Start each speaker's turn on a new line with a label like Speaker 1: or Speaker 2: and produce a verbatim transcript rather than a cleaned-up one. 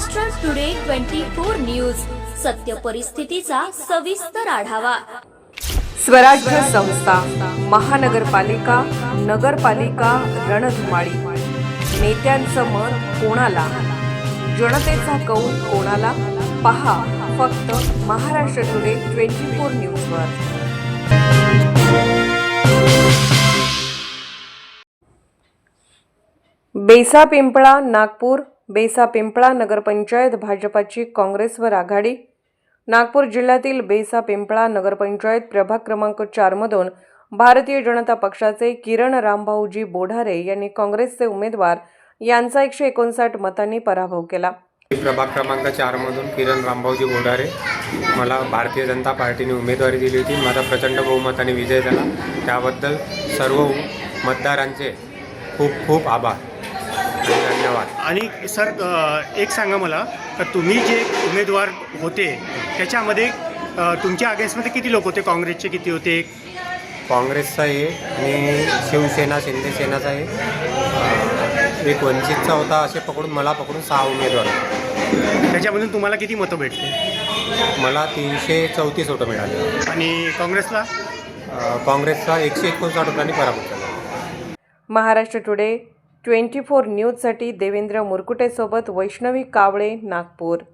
Speaker 1: Maharashtra today twenty four news, सत्य परिस्थितीचा सविस्तर आढावा।
Speaker 2: स्वराज्य संस्था, महानगरपालिका, नगरपालिका रणधुमाळी। नेत्यांचं मत कोणाला, जनतेचा कौल कोणाला? पहा फक्त महाराष्ट्र टुडे ट्वेंटी फोर न्यूजवर। बेसा पिंपळा नागपूर। बेसा पिंपळा नगरपंचायत भाजपाची काँग्रेसवर आघाडी। नागपूर जिल्ह्यातील बेसा पिंपळा नगरपंचायत प्रभाग क्रमांक चार मधून भारतीय जनता पक्षाचे किरण रामभाऊजी बोढारे यांनी काँग्रेसचे उमेदवार यांचा एकशे एकोणसाठ मतांनी पराभव केला।
Speaker 3: प्रभाग क्रमांक चार मधून किरण रामभाऊजी बोढारे मला भारतीय जनता पार्टीने उमेदवारी दिली होती। माझा प्रचंड बहुमताने विजय झाला, त्याबद्दल सर्व मतदारांचे खूप खूप आभार, धन्यवाद।
Speaker 4: आणि सर एक सांगा मला, तर तुम्ही जे उमेदवार होते त्याच्यामध्ये तुमच्या अगेन्स्टमध्ये किती लोक होते? काँग्रेसचे किती होते?
Speaker 3: काँग्रेसचा आहे आणि शिवसेना शिंदे सेनाचा आहे, एक वंचितचा होता। असे पकडून मला पकडून सहा उमेदवार होते।
Speaker 4: त्याच्यामधून तुम्हाला किती मतं भेटले?
Speaker 3: मला तीनशे चौतीस मतं मिळाले
Speaker 4: आणि काँग्रेसला
Speaker 3: काँग्रेसचा एकशे एकोणसाठ मतांनी पराभव झाला।
Speaker 2: महाराष्ट्र टुडे ट्वेंटी फोर न्यूजसाठी देवेंद्र मुरकुटे सोबत वैष्णवी कावळे, नागपूर।